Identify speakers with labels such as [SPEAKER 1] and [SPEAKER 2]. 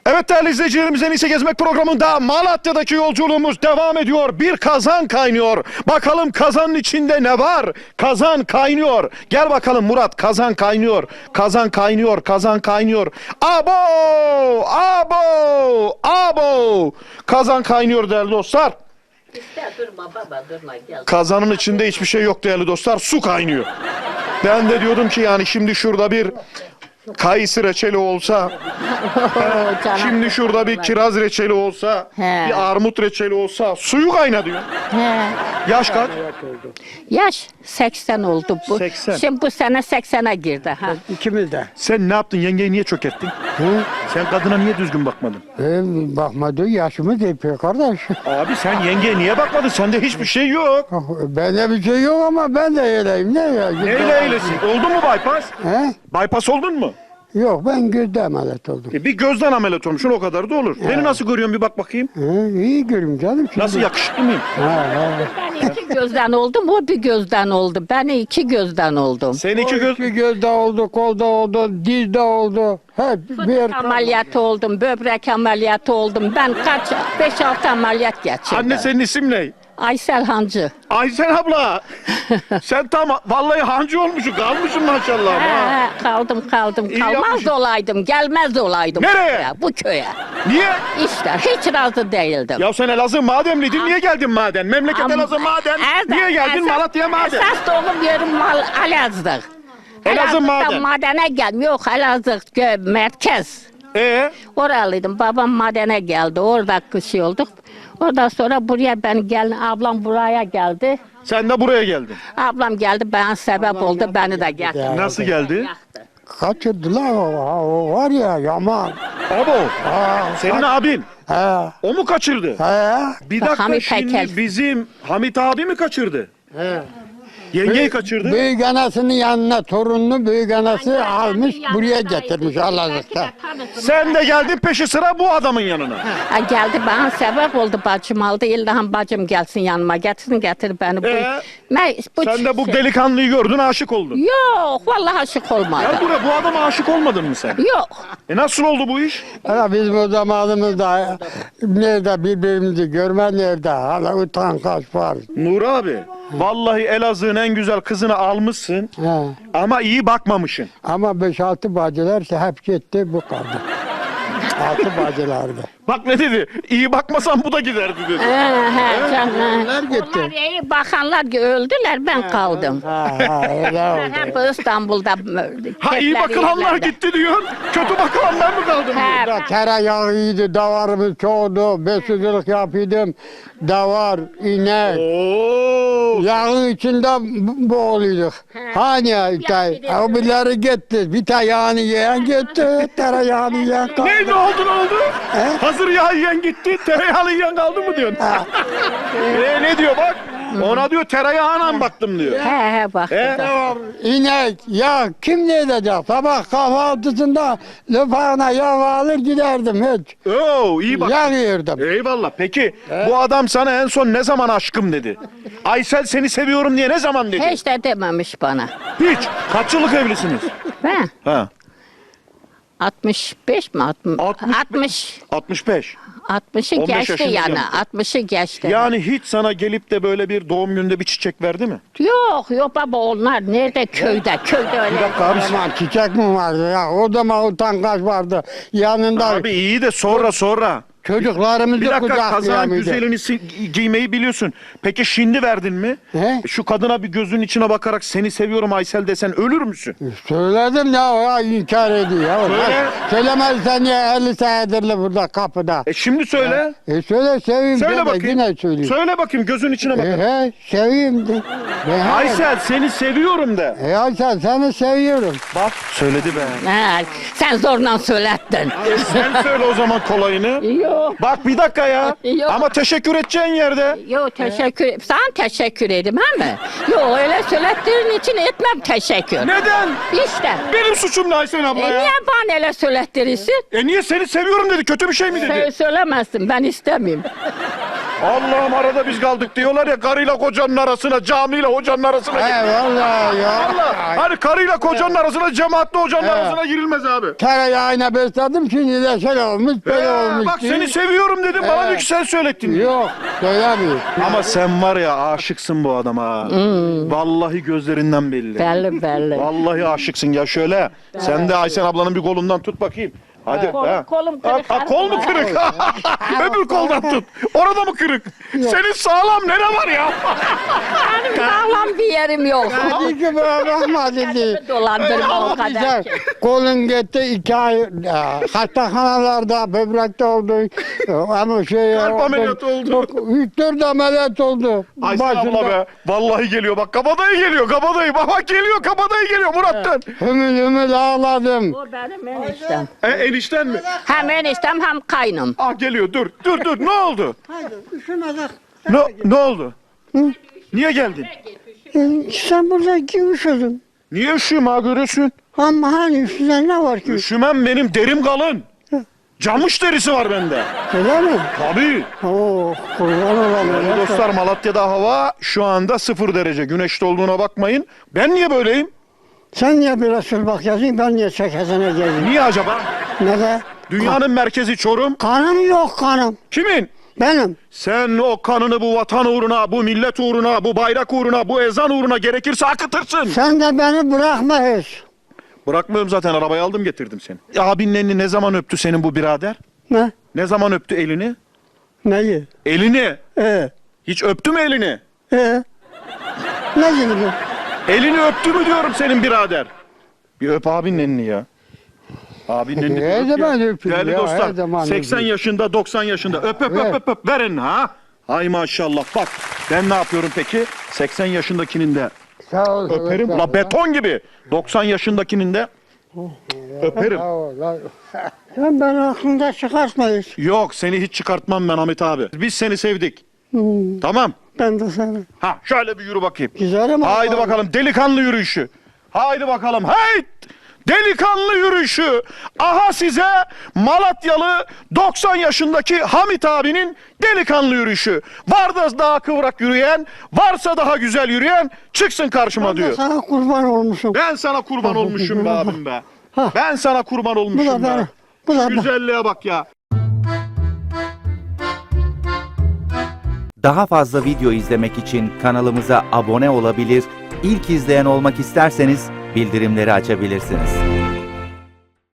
[SPEAKER 1] Evet değerli izleyicilerimiz, En İyisi Gezmek programında Malatya'daki yolculuğumuz devam ediyor. Bir kazan kaynıyor. Bakalım kazanın içinde ne var? Kazan kaynıyor. Gel bakalım Murat, kazan kaynıyor. Kazan kaynıyor, kazan kaynıyor. Abo! Abo! Abo! Kazan kaynıyor değerli dostlar.
[SPEAKER 2] Durma baba durma gel.
[SPEAKER 1] Kazanın içinde hiçbir şey yok değerli dostlar. Su kaynıyor. Ben de diyordum ki yani şimdi şurada bir kayısı reçeli olsa, şimdi şurada bir kiraz reçeli olsa,
[SPEAKER 2] He.
[SPEAKER 1] bir armut reçeli olsa, suyu kayna diyor.
[SPEAKER 2] He.
[SPEAKER 1] Yaş kaç?
[SPEAKER 2] Yaş 80 oldu bu.
[SPEAKER 1] 80.
[SPEAKER 2] Şimdi bu sene 80'e girdi ha.
[SPEAKER 3] İkimiz de.
[SPEAKER 1] Sen ne yaptın? Yengeyi niye çökerttin? Sen kadına niye düzgün bakmadın?
[SPEAKER 3] Bakmadı yaşımız yapıyor kardeş.
[SPEAKER 1] Abi sen yengeye niye bakmadın? Sende hiçbir şey yok.
[SPEAKER 3] Bende bir şey yok ama ben de öyleyim. Ne ya?
[SPEAKER 1] Neyle eylesin? Oldu mu bypass?
[SPEAKER 3] He?
[SPEAKER 1] Bypass oldun mu?
[SPEAKER 3] Yok ben gözde ameliyat oldum.
[SPEAKER 1] Bir gözden ameliyat olmuşsun, o kadar da olur. Beni nasıl görüyorsun bir bak bakayım.
[SPEAKER 3] İyi görüm canım. Şimdi.
[SPEAKER 1] Nasıl, yakışıklı mıyım?
[SPEAKER 2] Ben iki gözden oldum, o bir gözden oldu. Ben iki gözden oldum.
[SPEAKER 1] Sen iki göz...
[SPEAKER 3] İki gözde oldu, kolda oldu, dizde oldu. Hep bir...
[SPEAKER 2] Ameliyatı oldum, böbrek ameliyatı oldum. Ben 5-6 ameliyat geçirdim.
[SPEAKER 1] Anne senin isim ne?
[SPEAKER 2] Aysel Hancı.
[SPEAKER 1] Aysen abla. Sen tam vallahi hancı olmuşsun, kalmışsın maşallah. Ha.
[SPEAKER 2] Kaldım.
[SPEAKER 1] İyi
[SPEAKER 2] Kalmaz
[SPEAKER 1] yapmışsın.
[SPEAKER 2] olaydım, gelmez olaydım.
[SPEAKER 1] Nereye?
[SPEAKER 2] Bu köye.
[SPEAKER 1] Niye?
[SPEAKER 2] İşte hiç razı değildim.
[SPEAKER 1] Ya sen Elazığ Mademliydin, niye geldin maden? Memleket
[SPEAKER 2] Ama-
[SPEAKER 1] Elazığ maden.
[SPEAKER 2] Erdem,
[SPEAKER 1] Niye geldin
[SPEAKER 2] esas-
[SPEAKER 1] Malatya maden?
[SPEAKER 2] Esas doğum yerim Elazığ.
[SPEAKER 1] Elazığ maden.
[SPEAKER 2] Madene geldim. Yok Elazığ merkez. Oralıydım. Babam madene geldi. Orada şey olduk. Ondan sonra buraya ben geldim. Ablam buraya geldi.
[SPEAKER 1] Sen de buraya geldin.
[SPEAKER 2] Ablam geldi. Ben sebep oldu. Beni de getirdi.
[SPEAKER 1] Nasıl geldi?
[SPEAKER 3] Kaçırdılar o var ya yaman.
[SPEAKER 1] Abo. Senin abin.
[SPEAKER 3] He.
[SPEAKER 1] O mu kaçırdı?
[SPEAKER 3] He.
[SPEAKER 1] Bir dakika,
[SPEAKER 2] Hamit
[SPEAKER 1] şimdi
[SPEAKER 2] Heykel.
[SPEAKER 1] bizim Hamit abi mi kaçırdı? Yengeyi kaçırdı.
[SPEAKER 3] Büyük anasının yanına torununu büyük anası almış buraya getirmiş Allah'lıkta.
[SPEAKER 1] Sen de geldin peşi sıra bu adamın yanına.
[SPEAKER 2] Ha, geldi bana sebep oldu, bacım aldı. İlhan bacım gelsin yanıma, getir beni.
[SPEAKER 1] Sen de bu delikanlıyı gördün, aşık oldun.
[SPEAKER 2] Yok vallahi aşık olmadım.
[SPEAKER 1] Ya bu adama aşık olmadın mı sen?
[SPEAKER 2] Yok.
[SPEAKER 1] Nasıl oldu bu iş?
[SPEAKER 3] Hala bizim o zamanımızda nerede birbirimizi görme nerede hala utangaç var.
[SPEAKER 1] Nur abi, vallahi Elazığ'ın en güzel kızını almışsın
[SPEAKER 3] He.
[SPEAKER 1] ama iyi bakmamışsın.
[SPEAKER 3] Ama 5-6 bacılar hep gitti bu kaldı. 6 bacılardı.
[SPEAKER 1] Bak ne dedi? İyi bakmasan bu da giderdi dedi.
[SPEAKER 2] Canım.
[SPEAKER 3] Onlar gitti.
[SPEAKER 2] Onlar iyi bakanlar öldüler, ben kaldım.
[SPEAKER 3] Öyle oldu.
[SPEAKER 2] Hep İstanbul'da.
[SPEAKER 1] Ha, iyi bakılanlar gitti diyorsun, kötü bakılanlar mı kaldı diyor.
[SPEAKER 3] Da tereyağıydı, davarımız çoğdu, besicilik yapıyordum. Davar, inek,
[SPEAKER 1] Oo.
[SPEAKER 3] yağın içinde boğuluyorduk. Hani o birileri gitti, bir tane yağını yiyen gitti, tereyağını yiyen kaldı.
[SPEAKER 1] Ne oldu? Hazır yağ yiyen gitti, tereyağlı yiyen kaldı mı diyorsun? Ne diyor bak? Ona diyor tereyağına baktım diyor.
[SPEAKER 2] Bak.
[SPEAKER 3] Davar, inek, yağ kim ne edecek? Sabah kahvaltısında lüfağına yağ alır giderdim hiç.
[SPEAKER 1] Oo, iyi bak.
[SPEAKER 3] Yağ yerdim.
[SPEAKER 1] Eyvallah. Peki bu adam sana en son ne zaman aşkım dedi? Aysel seni seviyorum diye ne zaman dedi?
[SPEAKER 2] Hiç de dememiş bana.
[SPEAKER 1] Hiç. Kaç yıllık evlisiniz?
[SPEAKER 2] Ben
[SPEAKER 1] Ha.
[SPEAKER 2] 65 mi?
[SPEAKER 1] 65.
[SPEAKER 2] 60'ı
[SPEAKER 1] 15
[SPEAKER 2] geçti
[SPEAKER 1] yaşınız
[SPEAKER 2] yani.
[SPEAKER 1] yandı.
[SPEAKER 2] 60'ı geçti.
[SPEAKER 1] Yani hiç sana gelip de böyle bir doğum gününde bir çiçek verdi mi?
[SPEAKER 2] Yok baba, onlar nerede, köyde öyle.
[SPEAKER 1] Bir dakika abi.
[SPEAKER 3] Aman çiçek mi vardı ya? O zaman utangaç vardı. Yanında
[SPEAKER 1] Abi iyi de sonra.
[SPEAKER 3] çocuklarımızı
[SPEAKER 1] Bir dakika, kazağın
[SPEAKER 3] kucaklayamıyordu.
[SPEAKER 1] güzelini giymeyi biliyorsun. Peki şimdi verdin mi?
[SPEAKER 3] He?
[SPEAKER 1] Şu kadına bir gözünün içine bakarak seni seviyorum Aysel desen ölür müsün?
[SPEAKER 3] Söyledim ya inkar ediyor. Ya.
[SPEAKER 1] Söyle.
[SPEAKER 3] Söylemezsen ya 50 senedirli burada kapıda.
[SPEAKER 1] Şimdi söyle.
[SPEAKER 3] Söyle seveyim.
[SPEAKER 1] Söyle
[SPEAKER 3] deme,
[SPEAKER 1] bakayım.
[SPEAKER 3] Yine söyleyeyim.
[SPEAKER 1] Söyle bakayım, gözün içine bak.
[SPEAKER 3] Seveyim de.
[SPEAKER 1] Aysel seni seviyorum de.
[SPEAKER 3] Aysel seni seviyorum.
[SPEAKER 1] Bak söyledi be.
[SPEAKER 2] Sen zorla söylettin.
[SPEAKER 1] Sen söyle o zaman kolayını.
[SPEAKER 2] Yok.
[SPEAKER 1] Bak bir dakika ya.
[SPEAKER 2] Yok.
[SPEAKER 1] Ama teşekkür edeceğin yerde.
[SPEAKER 2] Yok teşekkür. Sana teşekkür ederim mi? Yok öyle söylettiğin için etmem teşekkür.
[SPEAKER 1] Neden?
[SPEAKER 2] İşte.
[SPEAKER 1] Benim suçum ne Aysel abla ya?
[SPEAKER 2] Niye bana öyle söylettirirsin?
[SPEAKER 1] Niye seni seviyorum dedi, kötü bir şey mi dedi?
[SPEAKER 2] Söylemezsin, ben istemiyorum.
[SPEAKER 1] Allah'ım arada biz kaldık diyorlar ya, karıyla kocanın arasına, camiyle hocanın arasına
[SPEAKER 3] He
[SPEAKER 1] gir.
[SPEAKER 3] vallahi ya.
[SPEAKER 1] Allah. Hani karıyla kocanın arasına, cemaatle hocanın arasına girilmez abi.
[SPEAKER 3] Tereyağına besledim şimdi de şöyle olmuş böyle olmuş.
[SPEAKER 1] Bak
[SPEAKER 3] diye.
[SPEAKER 1] seni seviyorum dedim, bana diyor ki sen söylettin.
[SPEAKER 3] Yok söylemiyor.
[SPEAKER 1] Ama sen var ya, aşıksın bu adama. Vallahi gözlerinden belli.
[SPEAKER 2] Belli.
[SPEAKER 1] Vallahi aşıksın ya, şöyle. Sen de Aysen ablanın bir kolundan tut bakayım. Hadi.
[SPEAKER 2] Kolum kırık.
[SPEAKER 1] Kol mu kırık? Öbür koldan tut. Orada mı kırık? Senin sağlam nere var ya?
[SPEAKER 2] Benim sağlam bir yerim yok.
[SPEAKER 3] Hadi ki böyle bakma dedi.
[SPEAKER 2] Dolandırma o kadar.
[SPEAKER 3] Kolun gitti 2 ay hastanelarda böbrekte oldu. Ama şey
[SPEAKER 1] Kalp ameliyatı oldu.
[SPEAKER 3] 3-4 ameliyat oldu.
[SPEAKER 1] Aysen abla be. Vallahi geliyor bak, kabadayı geliyor, kabadayı. Bak geliyor, kabadayı geliyor Murat'tan.
[SPEAKER 3] Hümül ağladım.
[SPEAKER 2] O benim eniştem.
[SPEAKER 1] Enişten mi?
[SPEAKER 2] Hem eniştem hem kaynım.
[SPEAKER 1] Ah geliyor, dur ne oldu?
[SPEAKER 3] Haydi üşümedik.
[SPEAKER 1] Ne oldu? Niye geldin?
[SPEAKER 3] Sen burada üşüdün.
[SPEAKER 1] Niye üşüyorum ha, görüyorsun?
[SPEAKER 3] Ama hani üstünde ne var ki?
[SPEAKER 1] Üşümem, benim derim kalın. Camış derisi var bende.
[SPEAKER 3] Öyle mi?
[SPEAKER 1] Tabii.
[SPEAKER 3] Oo, kurban olayım.
[SPEAKER 1] Değerli dostlar, Malatya'da hava şu anda 0 derece. Güneşli olduğuna bakmayın. Ben niye böyleyim?
[SPEAKER 3] Sen niye biraz bak yazayım, ben niye çekesine geleyim?
[SPEAKER 1] Niye acaba?
[SPEAKER 3] Neden?
[SPEAKER 1] Dünyanın merkezi Çorum.
[SPEAKER 3] Kanım yok kanım.
[SPEAKER 1] Kimin?
[SPEAKER 3] Benim.
[SPEAKER 1] Sen o kanını bu vatan uğruna, bu millet uğruna, bu bayrak uğruna, bu ezan uğruna gerekirse akıtırsın.
[SPEAKER 3] Sen de beni bırakma hiç.
[SPEAKER 1] Bırakmıyorum zaten, arabayı aldım getirdim seni. Abinin elini ne zaman öptü senin bu birader?
[SPEAKER 3] Ne?
[SPEAKER 1] Ne zaman öptü elini?
[SPEAKER 3] Neyi?
[SPEAKER 1] Elini.
[SPEAKER 3] Ee,
[SPEAKER 1] Hiç öptü mü elini?
[SPEAKER 3] ne gibi bu?
[SPEAKER 1] Elini öptü mü diyorum senin birader? Bir öp abinin elini ya. Abinin elini bir
[SPEAKER 3] Her
[SPEAKER 1] öp ya.
[SPEAKER 3] zaman öpeyim
[SPEAKER 1] Değerli
[SPEAKER 3] ya,
[SPEAKER 1] dostlar,
[SPEAKER 3] her zaman
[SPEAKER 1] 80
[SPEAKER 3] öpeyim.
[SPEAKER 1] yaşında, 90 yaşında. Öp
[SPEAKER 3] Ver.
[SPEAKER 1] öp. Ver elini ha. Ay maşallah, bak. Ben ne yapıyorum peki? 80 yaşındakinin de
[SPEAKER 3] Sağ ol.
[SPEAKER 1] öperim. La beton gibi. 90 yaşındakinin de öperim.
[SPEAKER 3] Sağ ol. Sen beni aklında çıkartma hiç.
[SPEAKER 1] Yok, seni hiç çıkartmam ben Hamit abi. Biz seni sevdik. Tamam.
[SPEAKER 3] Ben de seni.
[SPEAKER 1] Ha, şöyle bir yürü bakayım.
[SPEAKER 3] Güzel ama.
[SPEAKER 1] Haydi bakalım, delikanlı yürüyüşü. Haydi bakalım. Hey! Delikanlı yürüyüşü. Aha size Malatyalı 90 yaşındaki Hamit abinin delikanlı yürüyüşü. Var da daha kıvrak yürüyen, varsa daha güzel yürüyen çıksın karşıma
[SPEAKER 3] Ben de
[SPEAKER 1] diyor.
[SPEAKER 3] sana kurban olmuşum.
[SPEAKER 1] Ben sana kurban olmuşum be abim be. Ben sana kurban
[SPEAKER 3] Bu
[SPEAKER 1] olmuşum
[SPEAKER 3] da
[SPEAKER 1] be.
[SPEAKER 3] benim. Bu da benim.
[SPEAKER 1] Güzelliğe bak ya.
[SPEAKER 4] Daha fazla video izlemek için kanalımıza abone olabilir, ilk izleyen olmak isterseniz bildirimleri açabilirsiniz.